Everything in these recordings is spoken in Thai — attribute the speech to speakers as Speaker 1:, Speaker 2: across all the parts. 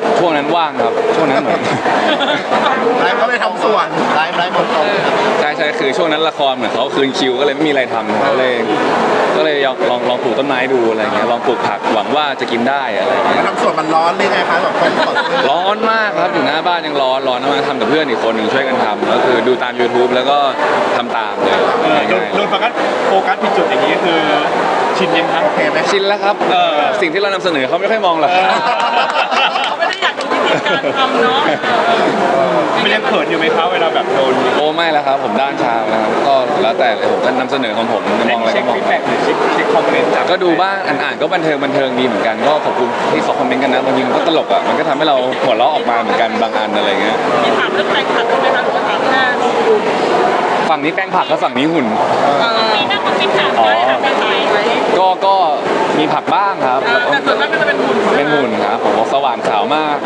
Speaker 1: ช่วงนั้นว่างครับช่วงนั้นเหมือน
Speaker 2: ไลฟ์ก็เลยทำส่วนไลฟ์หมดตรง
Speaker 1: ใช่คือช่วงนั้นละครเหมือนเขาคืนคิวก็เลยไม่มีอะไรทำก็เลยลองปลูกต้นไม้ดูอะไรเงี้ยลองปลูกผักหวังว่าจะกินได้อะไรเงี้ย
Speaker 2: ทำส่วนมันร้อนเลยไงคะแบบคนถอดเสื้อ
Speaker 1: ร้อนมากครับอยู่หน้าบ้านยังร้อนมากทำกับเพื่อนอีกคนหนึ่งช่วยกันทำก็คือดูตาม YouTube แล้วก็ทำตามเลย
Speaker 3: โดนโฟกัสผิดจุดอย่างนี้คือชินยังครับ
Speaker 2: โอเคไหม
Speaker 1: ชินแล้วครับสิ่งที่เรานำเสนอเขาไม่ค่อยมองหรอก
Speaker 4: เขาไม่ได้อยากดูวิธีการทำเนาะ
Speaker 3: มันยังเขินอยู่ไหมครับเวลาแบบโดน
Speaker 1: โอ้ไม่แล้วครับผมด้านชานะครับก็แล้วแต่เลยผมก็นำเสนอของผมจะมองอะไร
Speaker 3: เช็
Speaker 1: ก็
Speaker 3: ค
Speaker 1: มอง
Speaker 3: ฟีดแบ็กหรือเช็คคอมเมนต์จาก
Speaker 1: ก็ดูบ้างอ่านก็บันเทิงดีเหมือนกันก็ขอบคุณที่เขาคอมเมนต์กันนะบางทีมันก็ตลกอ่ะมันก็ทำให้เราหัวเราะออกมาเหมือนกันบางอันอะไรเงี้ย
Speaker 4: มีถามเรื่องแฟนคลับด้วยไหมคะหรือว่าถามแค่ดู
Speaker 1: ฝั่งนี้แป้งผักแล้วฝั่งนี้หุ่น
Speaker 4: มีหน้าคนที่ถามได้ถามแฟนคลับไหม
Speaker 1: ก็มีผักบ้างครับแล้วก็
Speaker 4: แต่ส่วนมากก็จะเป็นหุ่น
Speaker 1: เป็นหุ่นครับผมบอกสว่างขาวมาก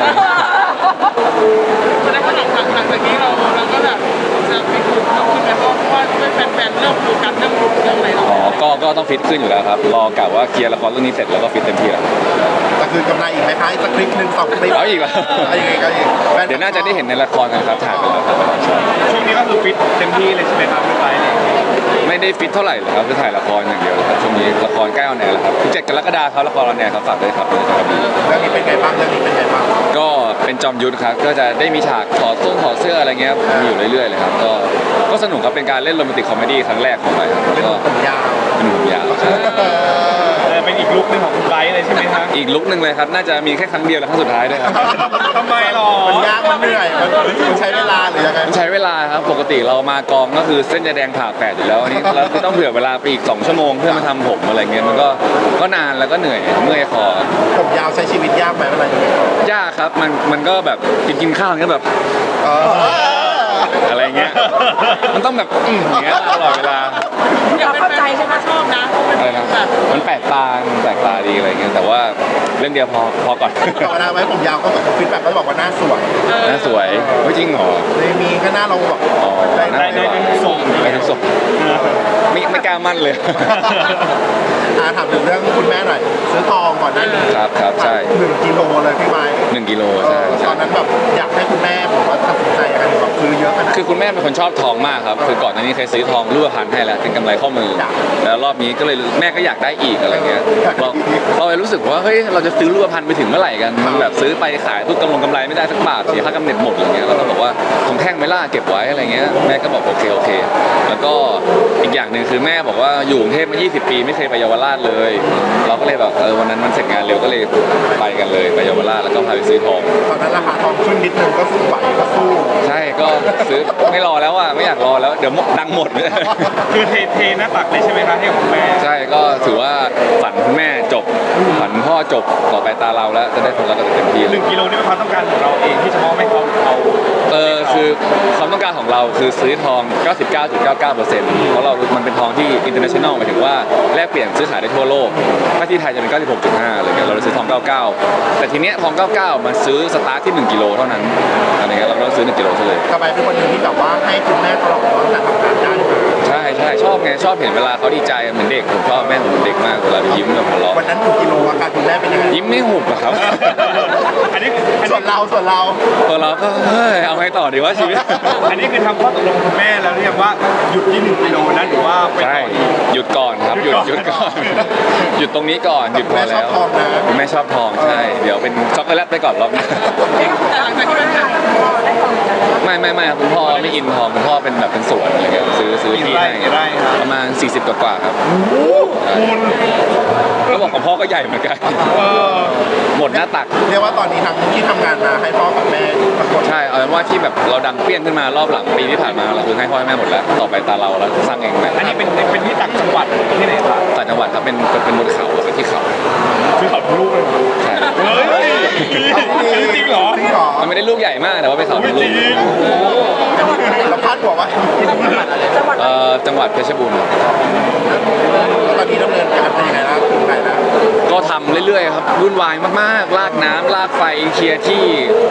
Speaker 4: แสดงว่าหลังจากนี้เราก็แบบจะไปหุ่นเพิ่มขึ้นไหมเพราะว่าด้วยแฟนๆเริ่มดูกันเริ่มรู้เรื่องอะไรเรา
Speaker 1: อ๋อก็ต้องฟิตขึ้นอยู่แล้วครับรอกะว่าเคลียร์ละครเรื่องนี้เสร็จแล้วก็ฟิตเต็มที่แล้ว
Speaker 2: แต่คือกำไรอีกไหมคะอีกสักคลิปหนึ่ง2 คลิป
Speaker 1: เอาอีกเหรอ
Speaker 2: เอาอีกก็อีก
Speaker 1: เดี๋ยวน่าจะได้เห็นในละครกันครับถ่ายไปแล้วครับ
Speaker 3: ช่วงนี้ก็คือฟิตเต็มที่เลยใช่ไหมครับพี่ไบร์ทเนี่ย
Speaker 1: ไม่ได้ฟิตเท่าไหร่เลยครับคือถ่ายละครอย่างเดียวเลยครับช่วงนี้ละครใกล้ออนแอร์แล้วครับ17 กรกฎาคมครับละครออนแอร์ครับฝากด้วยครับเลยครับ
Speaker 2: เรื่องนี้เป็นไงบ้างเรื่องนี้เป็นไงบ้าง
Speaker 1: ก็เป็นจอมยุทธครับก็จะได้มีฉากถอดเสื้ออะไรเงี้ยมีอยู่เรื่อยๆเลยครับก็สนุกครับเป็นการเล่นโรแมนติกคอมเมดี้ครั้งแรกของผมครับ
Speaker 2: เป็น
Speaker 1: ก็
Speaker 2: ผมยาว
Speaker 1: เป็นหนุ่มยาวใช่
Speaker 3: เป็นอีกลุคหนึงของคุณไบร์ทเลยใช่ไหมครับ
Speaker 1: อีกลุคหนึ่งเลยครับน่าจะมีแค่ครั้งเดียวและครั้งสุดท้ายด้วยครับ
Speaker 3: ทำไมหรอ
Speaker 2: มันยากมันเหนื่อยมันใช้เวลาหรือยังไง
Speaker 1: มันใช้เวลาครับปกติเรามากองก็คือเส้นจะแดงผ่าแปดอยู่แล้วอันนี้เราต้องเผื่อเวลาไปอีก2 ชั่วโมงเพื่อมาทำผมอะไรเงี้ยมันก็นานแล้วก็เหนื่อยเมื่อยคอ
Speaker 2: ผมยาวใช้ชีวิตยากไหมเวลาอยู่ในกอง
Speaker 1: ยากครับมันก็แบบกินข้าวก็แบบ
Speaker 2: เออ
Speaker 1: อะไรเงี้ยมันต้องแบบอย่างเงี้ยตลอดเวลา
Speaker 4: อยากเป็นแฟนเขาชอบนะ
Speaker 1: อะไรนะมันแปลกตาดีอะไรเงี้ยแต่ว่าเรื่องเดียวพอก่อน
Speaker 2: ธรรมดาไหมผมยาวก็แบบฟีดแบ็กก็บอกว่าหน้าสวย
Speaker 1: น่าสวยไม่จริงเหรอ
Speaker 2: เลยมีก็หน้าเราแบบ
Speaker 1: อ๋อ
Speaker 2: ได้
Speaker 1: น่า
Speaker 3: ได้เป็นทรง
Speaker 1: ไปทุกศพไม่กล้ามั่นเลย
Speaker 2: ถามถึงเรื่องคุณแม่หน่อยซื้อทองก่อนหน้านี้
Speaker 1: ครับใช่
Speaker 2: 1 กิโลเลยพี่ไม้
Speaker 1: 1 กิโล
Speaker 2: ต
Speaker 1: ใช่
Speaker 2: อนนั้นแบบอยากให้คุณแม่ผมว่าตัดสินใจยังไงแบบซื้อเยอะขนาด
Speaker 1: คือคุณแม่เป็นคนชอบทองมากครับคือก่อนหน้านี้เคยซื้อทองรูปพรรณให้แล้วเป็นกำไรข้อมือ แล้วรอบนี้ก็เลยแม่ก็อยากได้อีกอะไรเงี้ยเราเลยรู้สึกว่าเฮ้ยเราจะซื้อรูปพรรณไปถึงเมื่อไหร่กันมันแบบซื้อไปขายทุกกำไรไม่ได้สักบาทเสียค่ากำเนิดหมดอะไรเงี้ยเราก็บอกว่าทองแท่งไม่ล่าเก็บไว้อะไรเงี้ยแม่ก็บอกโอเคแล้วก็อีกอย่างหนึ่งคือแม่บอกว่าอยู่กรุงเทพมา20 ปีไม่เคยไปเยาวราชเลย เราก็เลยแบบวันนั้นมันเสร็จงานเร็วก็เลยไปกันเลยไปเยาวราชแล้วก็พาไปซื้อทอง
Speaker 2: ตอนนั้นราคาทองขึ้นนิดนึงก็สู้ไหวก็สู้
Speaker 1: ใช่ก็ซื้อไม่รอแล้วอ่ะไม่อยากรอแล้วเดี๋ยวดังหมด
Speaker 3: คือเทหน้าตักเลยใช่ไหมครับให้กับคุณแม่
Speaker 1: ใช่ก็ถือว่าฝันคุณแม่จบฝันพ่อจบต่อไปตาเราแล้วจะได้ผลลัพธ์กันเต็มที่เลย
Speaker 3: 1 กิโลนี่เป็นความต้องการของเราเองที่จะมอบให้เขาเอา
Speaker 1: คือความต้องการของเราคือซื้อทอง 99.99%เพราะเรามันเป็นทองที่ international หมายถึงว่าแลกเปลี่ยนซื้อขายได้ทั่วโลกถ้าที่ไทยจะเป็น 96.5อะไรเงี้ยเราเลยซื้อทอง 99 แต่ทีเนี้ยทอง 99 มันซื้อสตาร์ทที่ 1 กิโลเท่านั้นอะไรเงี้ยเราก็ต้องซื้อ 1 กิโลซะเลย
Speaker 2: กระบายเป็นคนหนึ่งที่แบบว่าให้คุณแม่ตลอดตั้งแต่ทำงานได้มา
Speaker 1: ใช่ชอบไงชอบเห็นเวลาเขาดีใจเหมือนเด็กผมชอบแม่ผมเหมือนเด็กมากเวลาไปยิ้มแบบหัวเราะ
Speaker 2: วันนั้น1 กิโลอาการคุณแม่เป็นยังไง
Speaker 1: ยิ้มไม่หุบอะครับ
Speaker 3: อันนี้
Speaker 2: ส่วนเรา
Speaker 1: ตัวเราก็เฮ้ยเอาไงต่อดีว่าชีวิต
Speaker 3: อันนี้คือทำข้อตกลงกับคุณแม่แล้วหรือยังว่าหยุดที่1 กิโลนะหรือว่าไป
Speaker 1: ใช่
Speaker 3: ต่ออีก
Speaker 1: หยุดก่อนครับหยุดก่อน หยุดตรงนี้ก่อนหยุดพอ
Speaker 2: แม่ชอ
Speaker 1: แล้
Speaker 2: บ
Speaker 1: ว
Speaker 2: ทองนะ
Speaker 1: คุณแม่ชอบทองใช่เดี๋ยวเป็นช็อกโกแลตไปก่อนรอบหนี้า
Speaker 4: แต่หลังจากที่เป็น
Speaker 1: ไม่ครับคุณพ่อไม่อินทองคุณพ่อเป็นแบบเป็นสวนอะไรเงี้ยซื้อที่ให้
Speaker 3: กี่ไร่ครับ
Speaker 1: ประมาณ40 กว่าครับ
Speaker 3: คุณ
Speaker 1: ก็บอกของพ่อก็ใหญ่เหมือนกัน
Speaker 3: เออ
Speaker 1: หมดหน้าตัก
Speaker 2: เรียกว่าตอนนี้ทั้งที่ทำงานมาให้พ่อกับแม่ทั้งหมด
Speaker 1: ใช่เอาเป็นว่าที่แบบเราดังเปี้ยงขึ้นมารอบหลังปีที่ผ่านมาเราคือให้พ่อให้แม่หมดแล้วต่อไปตาเราแล้วสร้างเองแบบ
Speaker 3: อันนี้เป็นที่ต่างจังหวัดที่ไหนครับ
Speaker 1: ต่างจังหวัดครับเป็นบนเขาเป็นที่เขา
Speaker 3: ซื้อเขาทุกลูกเลย
Speaker 1: ใช่
Speaker 3: เฮ้ยจริงเหรอ
Speaker 2: จริงเหรอ
Speaker 1: มันไม่ได้ลูกใหญ่มากแต่ว่าเป็นเขา
Speaker 3: ไม่
Speaker 1: เป็น
Speaker 3: จ
Speaker 1: ลู
Speaker 3: ริ
Speaker 1: ก
Speaker 3: ง
Speaker 2: เราพลาดหัวไว้
Speaker 1: จังหวัดเพชรบูรณ์ครับ
Speaker 2: แล้วตอนนี้ดำเนินการเป็นยังไงแล้วถึงไหนแล้ว
Speaker 1: ก็ทำเรื่อยๆครับวุ่นวายมากๆลากน้ำลากไฟเคลียร์ที่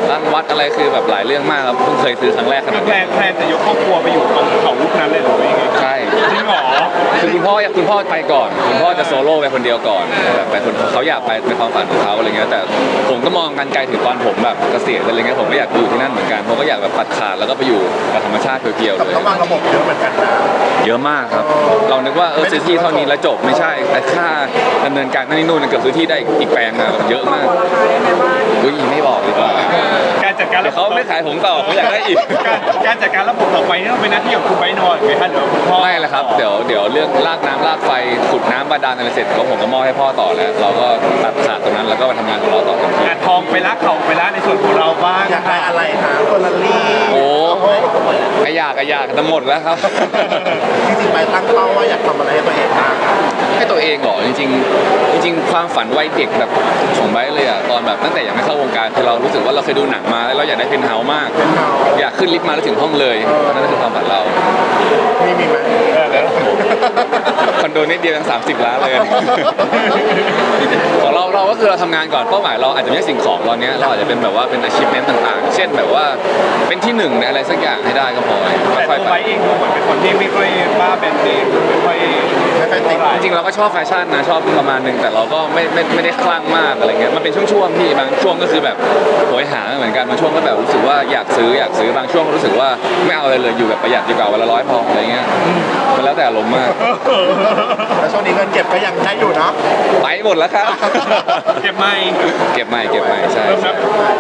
Speaker 1: ร้านวัดอะไรคือแบบหลายเรื่องมากครับเพิ่งเคยซื้อครั้งแรกขนาด
Speaker 3: แพล
Speaker 1: นี้
Speaker 3: นจะยกครอบครัวไปอยู่ตรงเขาลูกนั้นเลยหรือว่ายังไง
Speaker 1: ใช่
Speaker 3: จริงเหรอ
Speaker 1: คือคุณพ่อไปก่อนคุณพ่อจะโซโล่ไปคนเดียวก่อนแบบไปคนเขาอยากไปเป็นความฝันของเขาอะไรเงี้ยแต่ผมก็มองกันไกลถึงตอนผมแบบเกษียณอะไรเงี้ยผมก็อยากอยู่ที่นั่นเหมือนกันผมก็อยากแบบตัดขาดแล้วก็ไปอยู่กับธรรมชาติเพียวๆ
Speaker 2: กับ
Speaker 1: เลย
Speaker 2: เขาวางระบบเยอะเหมือนกันนะ
Speaker 1: เยอะมากครับ เรานึกว่าซื้อที่เท่านี้แล้วจบไม่ใช่แต่ค่าดำเนินการนั่นนี่นู่นเกือบซื้อที่ได้อีกแปลงอะแบบเยอะมากอุ้ยไม่บอกดีกว่า
Speaker 3: การจัดการ
Speaker 1: เดี๋ยวเขาไม่ขายผมต่อเขาอยากได้อีก
Speaker 3: การจัดการระบบต่อไปนี่ต้องเป็นหน้าที่ของคุณไบร์ทนอนไหมคะหรือว่าคุณพ่อ
Speaker 1: ไม่ละครับเดี๋ยวเรื่องลากน้ำลากไฟขุดน้ำบาดาลอะไรเสร็จก็ผมก็มอบให้พ่อต่อแล้ว เราก็ตัดขาดตรงนั้นแล้วก็มาทำงานของเราต่อทันที
Speaker 3: อ่ะทองไปละเขาไปละในส่วนของเราบ้าง
Speaker 2: อยากได้อะไรคะเฟอร์รารี่
Speaker 1: โอ้กระยากแต่หมดแล้วครับ
Speaker 2: จริงๆไปตั้งเป้าว่าอยากทำอะไรให้ตัวเองบ้าง
Speaker 1: ให้ตัวเองเหรอจริงๆความฝันวัยเด็กแบบของไบร์ทเลยอะตอนแบบตั้งแต่ยังไม่เข้าวงการคือเรารู้สึกว่าเราเคยดูหนังมาแล้วเราอยากได้เพนท์เฮาส์มาก อยากขึ้นลิฟต์มาแล้วถึงห้องเลยนั่นคือความฝันเรา
Speaker 2: มีไหม
Speaker 1: คอนโดนิดเดียวยัง30 ล้านเลย ของเราก็คือเราทำงานก่อนเป้าหมายเราอาจจะไม่ใช่สิ่งของตอนนี้เราอาจจะเป็นแบบว่าเป็น achievement ต่างๆ เช่นแบบว่าเป็นที่หนึ่งในอะไรสักอย่างให้ได้ก็พอ
Speaker 3: แต่
Speaker 1: ค่
Speaker 3: ตั
Speaker 1: อยว ๆ
Speaker 3: ไบ
Speaker 1: ไป
Speaker 3: ร์ทเองดูเหมือนเป็นคนที่ไม่ค่อยบ้าแบรนด์เนมไม่ค่อย
Speaker 2: ไม่ค่อยติด
Speaker 1: จริงๆเราก็ชอบแฟชั่นนะชอบประมาณหนึงแต่เราก็ไม่ได้คลั่งมากอะไรเงี้ยมันเป็นช่วงๆที่บางช่วงก็คือแบบโหยหาเหมือนกันบางช่วงก็แบบรู้สึกว่าอยากซื้อบางช่วงก็รู้สึกว่าไม่เอาอะไรเลยอยู่แบบประหยัดดีกว่าวันละ100พออะไรเงี้ยมันแล้วแต่อารมณ์มาก
Speaker 2: แล้วช่วงนี้เงินเก็บก็ยังได้อยู่เนาะ
Speaker 1: ไปหมดแล้วครับ
Speaker 3: เก็บไม่
Speaker 1: เก็บใหม่ใช่
Speaker 3: เริ่มนับ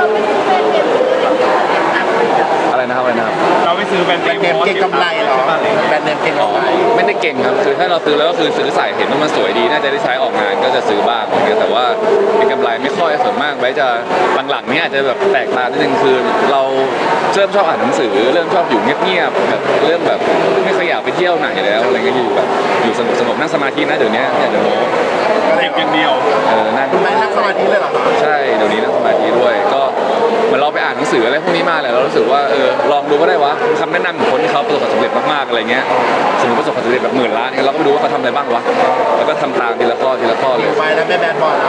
Speaker 1: อะไรนะครับ
Speaker 3: เราไปซื้อแบรนด์
Speaker 2: แบรนด์เนมเก็งกำไรเหรอแบรนด์เนมเก็งกำไร
Speaker 1: ไม่ได้เก่งครับคือถ้าเราซื้อแล้วก็คือซื้อใส่เห็นว่ามันสวยดีน่าจะได้ใช้ออกงานก็จะซื้อบ้างอย่างเงี้ยแต่ว่าเป็นกำไรไม่ค่อยส่วนมากไว้จะหลังๆเนี้อาจจะแบบแตกต่างนิดนึงคือเราเริ่มชอบอ่านหนังสือเริ่มชอบอยู่เงียบๆแบบเริ่มแบบไม่ค่อยอยากไปเที่ยวไหนแล้วอะไรเงี้ยอยู่แบบอยู่สงบๆนั่งสมาธินะเดี๋ยวนี้เนี่ยเดี๋ยวนี้
Speaker 3: เก็บอย่างเดียว
Speaker 1: นั่ง
Speaker 2: คุณไม่นั่งสมาธิเลยเหรอคะ
Speaker 1: ใช่เดี๋ยวนี้นั่งสมาธิด้วยก็เหมือนเราไปอ่านหนังสืออะไรพวกนี้มาแหละเรารู้สึกว่าลองดูก็ได้วะคำแนะนำของคนที่เขาประสบความสำเร็จมากๆอะไรเงี้ยสมมติประสบความสำเร็จแบบ10,000 ล้านเนี่ยเราก็ไปดูว่าเขาทำอะไรบ้างวะแล้วก็ทำตามทีละข้อเลย
Speaker 2: ไปแล้วแม่แบรนด์บอลนะ